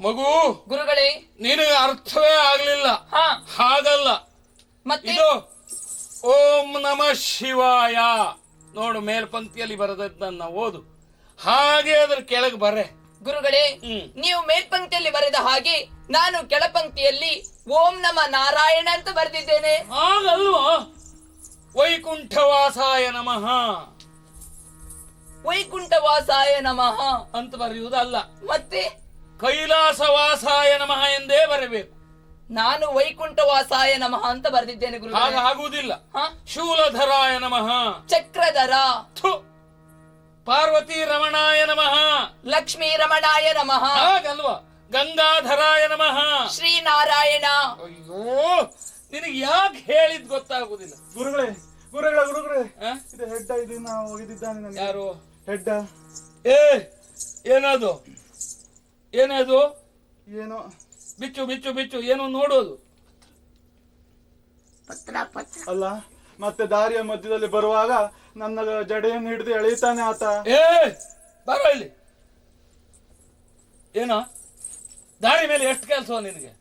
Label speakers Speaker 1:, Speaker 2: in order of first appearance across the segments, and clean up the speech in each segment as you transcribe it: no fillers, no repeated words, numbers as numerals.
Speaker 1: ಮಗು
Speaker 2: ಗುರುಗಳೇ,
Speaker 1: ನಿನಗೆ ಅರ್ಥವೇ ಆಗ್ಲಿಲ್ಲ. ಹಾಗಲ್ಲ, ಇದು ಓಂ ನಮಃ ಶಿವಾಯ ನೋಡು, ಮೇಲ್ಪಂಕ್ತಿಯಲ್ಲಿ ಬರೆದದ್ದನ್ನ ಓದು, ಹಾಗೆ ಅದ್ರ ಕೆಳಗೆ ಬರೆ.
Speaker 2: ಗುರುಗಳೇ, ನೀವು ಮೇಲ್ಪಂಕ್ತಿಯಲ್ಲಿ ಬರೆದ ಹಾಗೆ ನಾನು ಕೆಳಪಂಕ್ತಿಯಲ್ಲಿ ಓಂ ನಮ ನಾರಾಯಣ ಅಂತ ಬರೆದಿದ್ದೇನೆ.
Speaker 1: ಹಾಗಲ್ವಾ? ವೈಕುಂಠವಾಸಾಯ ನಮಃ,
Speaker 2: ವೈಕುಂಠವಾಸಾಯ ನಮಃ
Speaker 1: ಅಂತ ಬರೆಯುವುದಲ್ಲ,
Speaker 2: ಮತ್ತೆ
Speaker 1: ಕೈಲಾಸವಾಸಾಯ ನಮಃ ಎಂದೇ ಬರಬೇಕು.
Speaker 2: ನಾನು ವೈಕುಂಠವಾಸಾಯ ನಮಃ ಅಂತ ಬರೆದಿದ್ದೇನೆ ಗುರುಗಳೇ.
Speaker 1: ಹಾಗ ಆಗುವುದಿಲ್ಲ. ಶೂಲಧರಾಯ ನಮಃ,
Speaker 2: ಚಕ್ರಧರ,
Speaker 1: ಪಾರ್ವತಿ ರಮಣಾಯ ನಮಃ,
Speaker 2: ಲಕ್ಷ್ಮೀ ರಮಣಾಯ ನಮಃ.
Speaker 1: ಹಾಗಲ್ವಾ? ಗಂಗಾಧರಾಯ ನಮಃ,
Speaker 2: ಶ್ರೀನಾರಾಯಣ.
Speaker 1: ಅಯ್ಯೋ, ನಿನಗೆ ಯಾಕೆ ಹೇಳಿದ್ ಗೊತ್ತಾಗುದಿಲ್ಲ.
Speaker 3: ಗುರುಗಳೇ ಗುರುಗಳೇ ಗುರುಗಳೇ, ಇದು ಹೆಡ್ಡ, ಇದು ನಾವು ಹೋಗಿದ್ದಾನೆ.
Speaker 1: ಯಾರು
Speaker 3: ಹೆಡ್ಡ?
Speaker 1: ಏನದು ಏನದು?
Speaker 3: ಏನೋ
Speaker 1: ಬಿಚ್ಚು ಬಿಚ್ಚು ಬಿಚ್ಚು, ಏನೋ ನೋಡೋದು
Speaker 3: ಅಲ್ಲ. ಮತ್ತೆ ದಾರಿಯ ಮಧ್ಯದಲ್ಲಿ ಬರುವಾಗ ನನ್ನ ಜಡೆಯನ್ನು ಹಿಡಿದು ಎಳೀತಾನೆ ಆತ.
Speaker 1: ಬರೋ ಇಲ್ಲಿ. ಏನೋ ದಾರಿ ಮೇಲೆ ಎಷ್ಟು ಕೆಲಸ ನಿನಗೆ?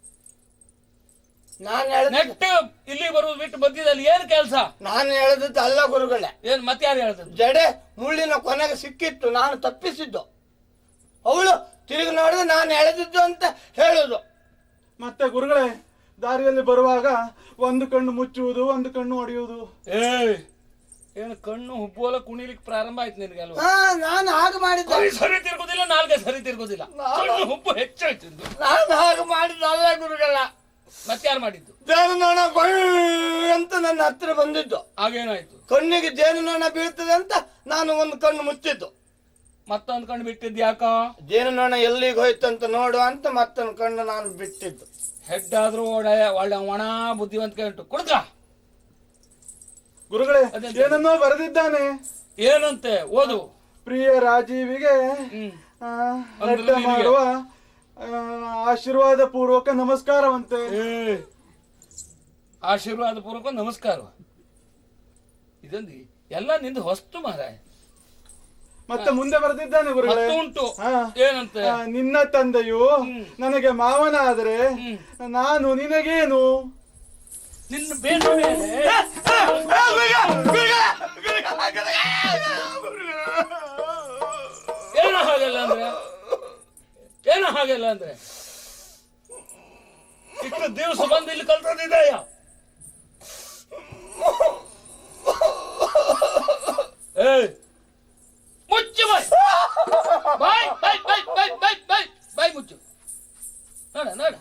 Speaker 1: ನೆಕ್ಸ್ಟ್ ಇಲ್ಲಿ ಬರುವುದು ಬಿಟ್ಟು ಮಧ್ಯದಲ್ಲಿ ಏನ್ ಕೆಲಸ?
Speaker 4: ನಾನು ಹೇಳಿದ್ದು ಅಲ್ಲ ಗುರುಗಳೇ.
Speaker 1: ಏನ್ ಮತ್ತೆ ಯಾರು ಹೇಳ್ತದ್ದು?
Speaker 4: ಜಡೆ ಮುಳ್ಳಿನ ಕೊನೆಗೆ ಸಿಕ್ಕಿತ್ತು, ನಾನು ತಪ್ಪಿಸಿದ್ದು. ಅವಳು ತಿರುಗಿ ನೋಡಿದ್ರೆ ನಾನು ಎಳೆದಿದ್ದು ಅಂತ ಹೇಳುದು.
Speaker 3: ಮತ್ತೆ ಗುರುಗಳೇ, ದಾರಿಯಲ್ಲಿ ಬರುವಾಗ ಒಂದು ಕಣ್ಣು ಮುಚ್ಚುವುದು, ಒಂದು ಕಣ್ಣು ಹೊಡೆಯುವುದು.
Speaker 1: ಏನು ಕಣ್ಣು ಹುಬ್ಬುವಲ್ಲ ಕುಣಿಲಿಕ್ಕೆ ಪ್ರಾರಂಭ ಆಯ್ತು ನಿನಗೆ ಅಲ್ವಾ?
Speaker 4: ನಾನು ಹಾಗೆ ಮಾಡಿದ್ದೆ.
Speaker 1: ಸರಿ ತಿರ್ಗುದಿಲ್ಲ, ನಾಲ್ಗೆ ಸರಿ ತಿರ್ಗುದಿಲ್ಲ, ಕಣ್ಣು ಹುಬ್ಬು ಹೆಚ್ಚಾಯ್ತು.
Speaker 4: ನಾನು ಹಾಗೆ ಮಾಡಿದ್ದಲ್ಲ ಗುರುಗಳ.
Speaker 1: ಮತ್ತೆ ಯಾರು ಮಾಡಿದ್ದು?
Speaker 4: ಜೇನುನೊಣ ಅಂತ ನನ್ನ ಹತ್ರ ಬಂದಿದ್ದು.
Speaker 1: ಹಾಗೇನಾಯ್ತು?
Speaker 4: ಕಣ್ಣಿಗೆ ಜೇನುನೊಣ ಬೀಳ್ತದೆ ಅಂತ ನಾನು ಒಂದು ಕಣ್ಣು ಮುಚ್ಚಿದ್ದು.
Speaker 1: ಮತ್ತೊಂದು ಕಣ್ಣು ಬಿಟ್ಟಿದ್ದು ಯಾಕ?
Speaker 4: ಜೇನುನೊಣ ಎಲ್ಲಿಗೆ ಹೋಯ್ತಂತ ನೋಡುವ ಅಂತ ಮತ್ತೊಂದು ಕಣ್ಣು ನಾನು ಬಿಟ್ಟಿದ್ದು.
Speaker 1: ಹೆಡ್ ಆದ್ರೂ ಒಳ್ಳೆ ಒಣ ಬುದ್ಧಿವಂತಿಕೆ ಉಂಟು. ಕುಡ್ಕ
Speaker 3: ಗುರುಗಳೇ, ಏನನ್ನೋ ಬರೆದಿದ್ದಾನೆ.
Speaker 1: ಏನಂತೆ? ಓದು.
Speaker 3: ಪ್ರಿಯ ರಾಜೀವಿಗೆ ಹೆಡ್ಡ ಮಾಡುವ ಆಶೀರ್ವಾದ ಪೂರ್ವಕ ನಮಸ್ಕಾರವಂತೆ.
Speaker 1: ಆಶೀರ್ವಾದ ಪೂರ್ವಕ ನಮಸ್ಕಾರ. ಇದೊಂದು ಎಲ್ಲ ನಿಂದು ಹೊಸ್ತು ಮಾರಾಯ.
Speaker 3: ಮತ್ತೆ ಮುಂದೆ ಬರೆದಿದ್ದಾನೆ ಗುರುಗಳೇ.
Speaker 1: ಉಂಟು. ಏನಂತೆ?
Speaker 3: ನಿನ್ನ ತಂದೆಯು ನನಗೆ ಮಾವನಾದರೆ ನಾನು ನಿನಗೇನು?
Speaker 1: ನಿನ್ನ ಬೇಡ. ಏನೋ ಹಾಗೆಲ್ಲ ಅಂದ್ರೆ, ಏನೋ ಹಾಗೆಲ್ಲ ಅಂದ್ರೆ ಇಷ್ಟು ದಿವಸ ಬಂದು ಇಲ್ಲಿ ಕಲ್ತದಿದೆಯಾ? ಮುಚ್ಚು ಬಾಯ್, ಬಾಯ್ ಬಾಯ್ ಬಾಯ್ ಬಾಯ್ ಬಾಯ್ ಬಾಯ್ ಬಾಯ್ ಮುಚ್ಚು. ನೋಡ ನೋಡ,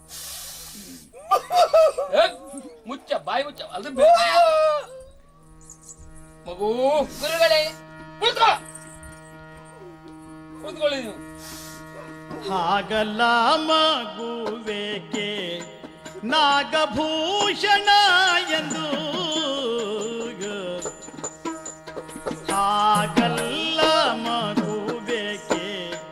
Speaker 1: ಮುಚ್ಚ ಬಾಯ್ ಮುಚ್ಚ. ಅದು ಮಗು.
Speaker 2: ಗುರುಗಳೇ,
Speaker 1: ಕೂತ್ಕೊಳ್ಳಿ ನೀವು.
Speaker 5: ಹಾಗಲ್ಲ ಮಗುವೇಕೆ ನಾಗಭೂಷಣ ಎಂದು, ಹಾಗಲ್ಲ ಮಗುವೇಕೆ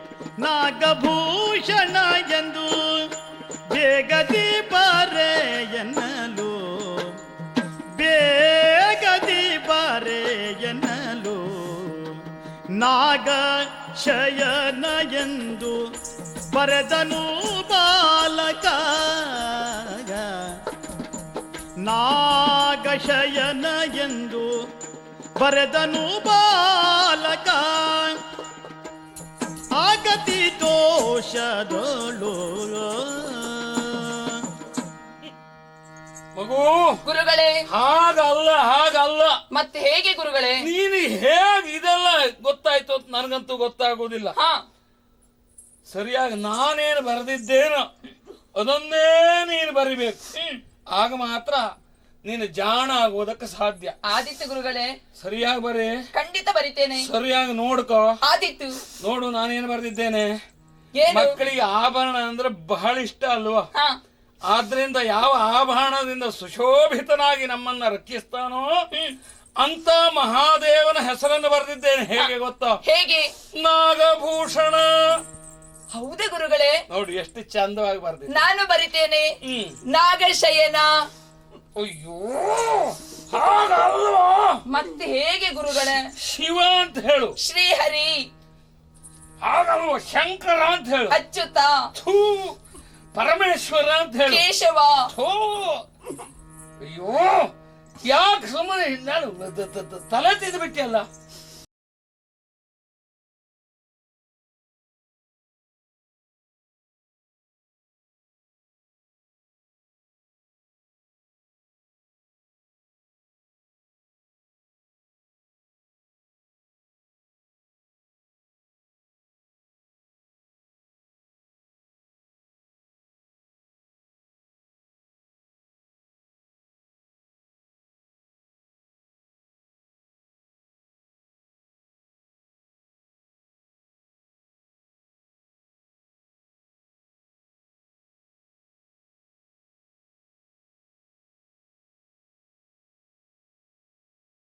Speaker 5: ನಾಗಭೂಷಣ ಎಂದು ಬೇಗದಿ ಬಾರೆ ಎನ್ನಲು, ಬೇಗದಿ ಬಾರೆ ಎನ್ನಲು ನಾಗ ಶಯನ ಎಂದು ಬರೆದನು ಬಾಲಕ, ನಾಗಶಯನ ಎಂದು ಬರೆದನು ಬಾಲಕ, ಆಗತಿ ದೋಷದಳು.
Speaker 1: ಮಗು.
Speaker 2: ಗುರುಗಳೇ,
Speaker 1: ಹಾಗಲ್ಲ ಹಾಗಲ್ಲ.
Speaker 2: ಮತ್ತೆ ಹೇಗೆ ಗುರುಗಳೇ?
Speaker 1: ನೀನು ಹೇಗೆ ಇದೆಲ್ಲ ಗೊತ್ತಾಯ್ತು ಅಂತ ನನಗಂತೂ ಗೊತ್ತಾಗುವುದಿಲ್ಲ. ಸರಿಯಾಗಿ ನಾನೇನು ಬರೆದಿದ್ದೇನೋ ಅದನ್ನೇ ನೀನು ಬರಿಬೇಕು. ಆಗ ಮಾತ್ರ ನೀನು ಜಾಣ ಆಗುವುದಕ್ಕೆ ಸಾಧ್ಯ.
Speaker 2: ಆದಿತ್ತು ಗುರುಗಳೇ.
Speaker 1: ಸರಿಯಾಗಿ ಬರೀ.
Speaker 2: ಖಂಡಿತ ಬರಿತೇನೆ.
Speaker 1: ಸರಿಯಾಗಿ ನೋಡ್ಕೋ.
Speaker 2: ಆದಿತ್ತು.
Speaker 1: ನೋಡು, ನಾನೇನು ಬರೆದಿದ್ದೇನೆ. ಮಕ್ಕಳಿಗೆ ಆಭರಣ ಅಂದ್ರೆ ಬಹಳ ಇಷ್ಟ ಅಲ್ವಾ? ಆದ್ರಿಂದ ಯಾವ ಆಭರಣದಿಂದ ಸುಶೋಭಿತನಾಗಿ ನಮ್ಮನ್ನ ರಕ್ಷಿಸ್ತಾನೋ ಅಂತ ಮಹಾದೇವನ ಹೆಸರನ್ನು ಬರೆದಿದ್ದೇನೆ. ಹೇಗೆ ಗೊತ್ತಾ?
Speaker 2: ಹೇಗೆ?
Speaker 1: ನಾಗಭೂಷಣ.
Speaker 2: ಹೌದೇ ಗುರುಗಳೇ?
Speaker 1: ನೋಡಿ ಎಷ್ಟು ಚಂದವಾಗಿ ಬರ್ದಿದ್ದೆ.
Speaker 2: ನಾನು ಬರಿತೇನೆ ನಾಗಶಯನ.
Speaker 1: ಅಯ್ಯೋ, ಹಾಗಲ್ವಾ?
Speaker 2: ಮತ್ತೆ ಹೇಗೆ ಗುರುಗಳೇ?
Speaker 1: ಶಿವ ಅಂತ ಹೇಳು.
Speaker 2: ಶ್ರೀಹರಿ.
Speaker 1: ಹಾಗಲ್ವ ಶಂಕರ ಅಂತ ಹೇಳು,
Speaker 2: ಅಚ್ಯುತ,
Speaker 1: ಥೂ ಪರಮೇಶ್ವರ ಅಂತ ಹೇಳು,
Speaker 2: ಕೇಶವ.
Speaker 1: ಥೂ ಅಯ್ಯೋ ಯಾಕೆ ಸುಮ್ಮನೆ ನಾನು ತಲೆ ತಿಂದು ಬಿಟ್ಟಿಯಲ್ಲ.